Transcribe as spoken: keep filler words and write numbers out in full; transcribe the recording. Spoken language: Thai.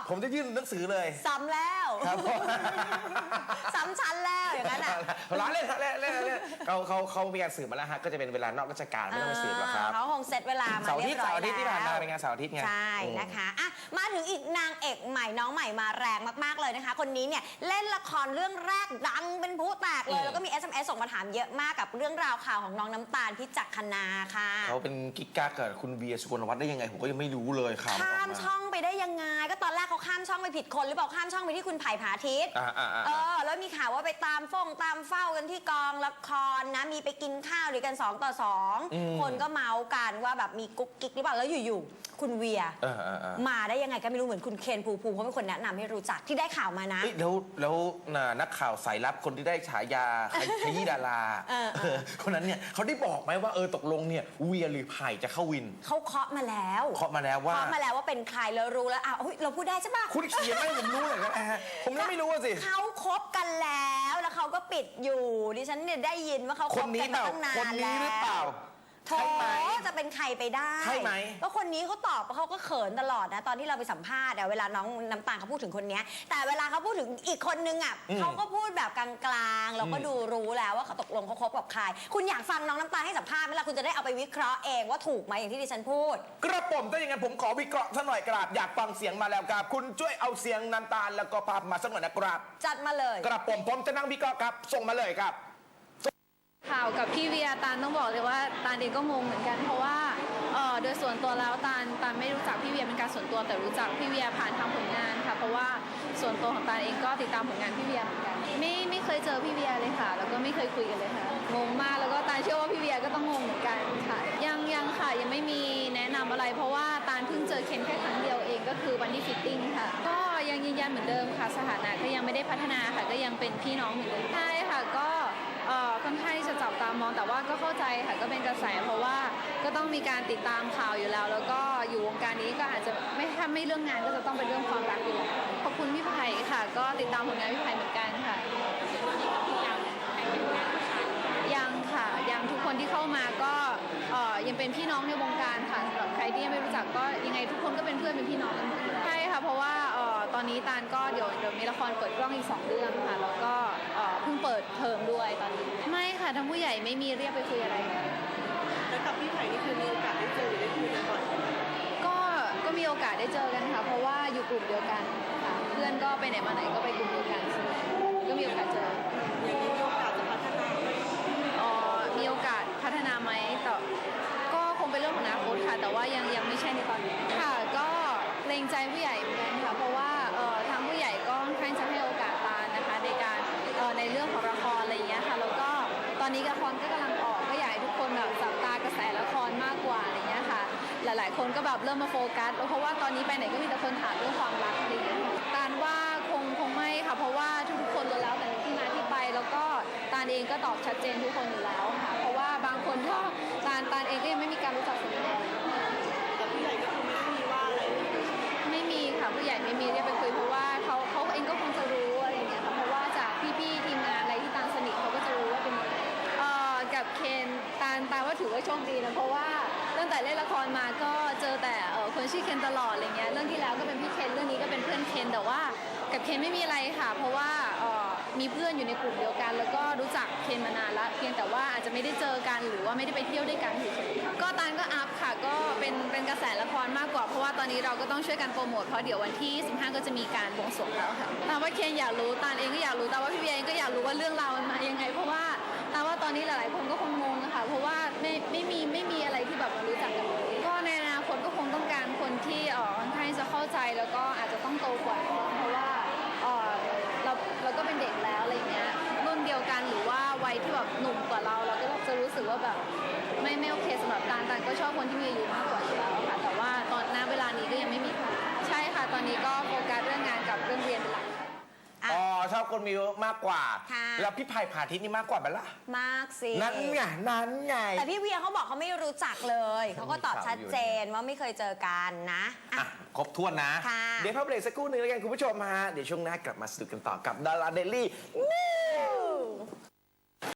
ผมจะยื่นหนังสือเลยซ้ำแล้วครับซ้ำชั้นแล้วอย่างนั้นอ่ะร้านเล่นเล่นเล่นเล่นเขาเขาเขามีการสืบมาแล้วฮะก็จะเป็นเวลานอกราชการไม่ต้องมาสืบหรอกครับเขาคงเซตเวลามาเรียบร้อยแล้วเสาร์อาทิตย์ที่ผ่านมาเป็นงานเสาร์อาทิตย์ไงใช่นะคะอ่ะมาถึงอีกนางเอกใหม่น้องใหม่มาแรงมากๆเลยนะคะคนนี้เนี่ยเล่นละครเรื่องแรกดังเป็นผู้แตกเลยแล้วก็มี เอส เอ็ม เอส ส่งมาถามเยอะมากกับเรื่องราวข่าวของน้องน้ำตาลพิจักคณาค่ะเขาเป็นกิ๊กกักกับคุณเวียสุกลวัฒน์ได้ยังไงผมก็ยังไม่รู้เลยครับข้ามช่องไปได้ยังไงก็ตอนแรกเขาข้ามช่องไปผิดคนหรือเปล่าข้ามช่องไปที่คุณไผ่ผาทิตย์เออแล้วมีข่าวว่าไปตามฟ้องตามเฝ้ากันที่กองละครนะมีไปกินข้าวด้วยกันสองต่อสองคนก็เมาส์กันว่าแบบมีกุ๊กกิ๊กหรือเปล่าแล้วอยู่ๆคุณเวียมาได้ยังไงก็ไม่รู้เหมือนคุณเคนภูมิภูมิเขาเป็นคนแนะนำให้รู้จักที่ได้ข่าวมานะแล้วแล้วนักข่าวสายลับคนที่ได้ฉายาขยี้ดาราคนนั้นเนี่ยเขาได้บอกไหมว่าเออตกลงเนี่ยเวียหรือไผ่จะเข้าวินเขาเคาะมาแล้วเคาะมาแล้วว่าเคาะมาแล้วว่าเป็นใครแล้วรู้แล้วอ้าวเราพูดได้ใช่ปะคุณเขียนให้ผมรู้เลยนะผมยังไม่รู้สิเขาคบกันแล้วแล้วเขาก็ปิดอยู่ดิฉันเนี่ยได้ยินว่าเขาคบกันมาตั้งนานแล้วคนนี้หรือเปล่าโถจะเป็นใครไปได้ใช่ไหมก็คนนี้เขาตอบเขาก็เขินตลอดนะตอนที่เราไปสัมภาษณ์เวลาน้องน้ำตาลเขาพูดถึงคนนี้แต่เวลาเขาพูดถึงอีกคนนึงอ่ะเขาก็พูดแบบกลางๆเราก็ดูรู้แล้วว่าเขาตกลงเขาคบกับใครคุณอยากฟังน้องน้ำตาลให้สัมภาษณ์ไหมล่ะคุณจะได้เอาไปวิเคราะห์เองว่าถูกไหมอย่างที่ดิฉันพูดกระผมถ้าอย่างนั้นผมขอวิเคราะห์สักหน่อยกราบอยากฟังเสียงมาแล้วครับคุณช่วยเอาเสียงน้ำตาลแล้วก็ภาพมาสักหน่อยนะครับจัดมาเลยกระผมผมจะนั่งวิเคราะห์ครับส่งมาเลยครับข่าวกับพี่เวียตาลต้องบอกเลยว่าตาลเองก็งงเหมือนกันเพราะว่าเออโดยส่วนตัวแล้วตาลตาลไม่รู้จักพี่เวียเป็นการส่วนตัวแต่รู้จักพี่เวียผ่านทางผลงานค่ะเพราะว่าส่วนตัวของตาลเองก็ติดตามผลงานพี่เวียเหมือนกันไม่ไม่เคยเจอพี่เวียเลยค่ะแล้วก็ไม่เคยคุยกันเลยค่ะงงมากแล้วก็ตาลเชื่อว่าพี่เวียก็ต้องงงเหมือนกันค่ะยังยังค่ะยังไม่มีแนะนำอะไรเพราะว่าตาลเพิ่งเจอเคนแค่ครั้งเดียวเองก็คือวันที่ฟิตติ้งค่ะก็ยังยืนยันเหมือนเดิมค่ะสถานะก็ยังไม่ได้พัฒนาค่ะก็ยังเป็นพี่น้องเหมือนเดิมใช่ค่ะก็เอ่อค่อนข้างที่จะจับตามองแต่ว่าก็เข้าใจค่ะก็เป็นกระแสเพราะว่าก็ต้องมีการติดตามข่าวอยู่แล้วแล้วก็อยู่วงการนี้ก็อาจจะไม่ถ้าไม่เรื่องงานก็จะต้องเป็นเรื่องความรักอยู่แล้วขอบคุณพี่ไผ่ค่ะก็ติดตามผลงานพี่ไผ่เหมือนกันค่ะยังค่ะยังทุกคนที่เข้ามาก็เอ่อยังเป็นพี่น้องในวงการค่ะสำหรับใครที่ยังไม่รู้จักก็ยังไงทุกคนก็เป็นเพื่อนเป็นพี่น้องกันใช่ค่ะเพราะว่าเอ่อตอนนี้ตาลก็เดี๋ยวเดี๋ยวมีละครเปิดกล้องอีกสองเรื่องค่ะแล้วก็เอ่อเพิ่งเปิดเทอมด้วยตอนนี้ไม่ค่ะทั้งผู้ใหญ่ไม่มีเรียกไปคุยอะไรแล้วกับพี่ไผ่นี่คือมีโอกาสได้เจอหรือได้คุยกันบ่อยก็ก็มีโอกาสได้เจอกันค่ะเพราะว่าอยู่กลุ่มเดียวกันค่ะเพื่อนก็ไปไหนมาไหนก็ไปกลุ่มเดียวกันก็มีโอกาสเจออย่างนี้มีโอกาสจะพัฒนาไหมอ๋อมีโอกาสพัฒนาไหมแต่ก็คงเป็นเรื่องของอนาคตค่ะแต่ว่ายังยังไม่ใช่ในตอนนี้ค่ะก็เกรงใจผู้ใหญ่เหมือนกันค่ะเพราะว่าเอ่อทางผู้ใหญ่ก็ค่อนข้างจะให้โอกาสตาลนะคะในการเอ่อในเรื่องของละครอะไรอย่างเงี้ยค่ะแล้วก็ตอนนี้ละครก็กำลังออกก็อยากให้ทุกคนแบบจับตากระแสละครมากกว่าอะไรเงี้ยค่ะหลายๆคนก็แบบเริ่มมาโฟกัสเพราะว่าตอนนี้ไปไหนก็มีแต่คนถามเรื่องความรักอะไรอย่างเงี้ยตาลว่าคงคงไม่ค่ะเพราะว่าทุกๆคนรู้แล้วแต่ที่มาที่ไปแล้วก็ตาลเองก็ตอบชัดเจนทุกคนอยู่แล้วค่ะเพราะว่าบางคนก็ตาลตาลเองก็ยังไม่มีการรู้จักส่วนตัวแต่ผู้ใหญ่ก็คือไม่ได้มีว่าอะไรไม่มีค่ะผู้ใหญ่ไม่มีเรียกไปคุยเพราะว่าเขาเขาเองก็คงจะรู้อะไรอย่างเงี้ยค่ะเพราะว่าจากพี่ๆทีมงานอะไรที่ตาลสนิทเขาก็จะรู้ว่าเป็นเอ่อกับเคนตาลตาลว่าถือว่าโชคดีนะเพราะว่าตั้งแต่เล่นละครมาก็เจอแต่เอ่อคนชื่อเคนตลอดอะไรเงี้ยเรื่องที่แล้วก็เป็นพี่เคนเรื่องนี้ก็เป็นเพื่อนเคนแต่ว่ากับเคนไม่มีอะไรค่ะเพราะว่าเอ่อมีเพื่อนอยู่ในกลุ่มเดียวกันแล้วก็รู้จักเคนมานานละเพียงแต่ว่าอาจจะไม่ได้เจอกันหรือว่าไม่ได้ไปเที่ยวด้วยกันเฉยๆก็ตาลก็อัพค่ะก็เป็นเป็นกระแสละครมากกว่าเพราะว่าตอนนี้เราก็ต้องช่วยกันโปรโมทเพราะเดี๋ยววันที่สิบห้าก็จะมีการบวงสรวงแล้วค่ะตาว่าเคนอยากรู้ตาลเองก็อยากรู้แต่ว่าพี่เบียร์เองก็อยากรู้ว่าเรื่องราวมันมายังไงเพราะว่าตาว่าตอนนี้หลายๆคนก็คงงงนะคะเพราะว่าไม่ไม่มีไม่มีอะไรที่แบบมารู้จักกันเลยก็ในอนาคตก็คงต้องการคนที่เอ่อค่อนข้างจะเข้าใจแล้วก็อาจจะต้องโตกว่าเพราะว่าเอ่อเราเราก็เป็นเด็กแล้วอะไรเงี้ยรุ่นเดียวกันหรือว่าวัยที่แบบหนุ่มกว่าเราเราก็จะรู้สึกว่าแบบไม่ไม่โอเคสำหรับตาลตาลก็ชอบคนที่มีอายุมากกว่าอยู่แล้วค่ะแต่ว่าตอนณเวลานี้ก็ยังไม่มีค่ะใช่ค่ะตอนนี้ก็โฟกัสเรื่องงานกับเรื่องเรียนเป็นหลักอ๋อชอบคนมีเยอะมากกว่าแล้วพี่ไผ่ผาทิตย์นี่มากกว่าไหมล่ะมากสินั่นไงนั่นไงแต่พี่เวียเขาบอกเขาไม่รู้จักเลยเขาก็ตอบชัดเจนว่าไม่เคยเจอกันนะอ่ะครบถ้วนนะเดี๋ยวพักเบรกสักครู่นึงแล้วกันคุณผู้ชมฮะเดี๋ยวช่วงหน้ากลับมาสนุกกันต่อกับดาราเดลี่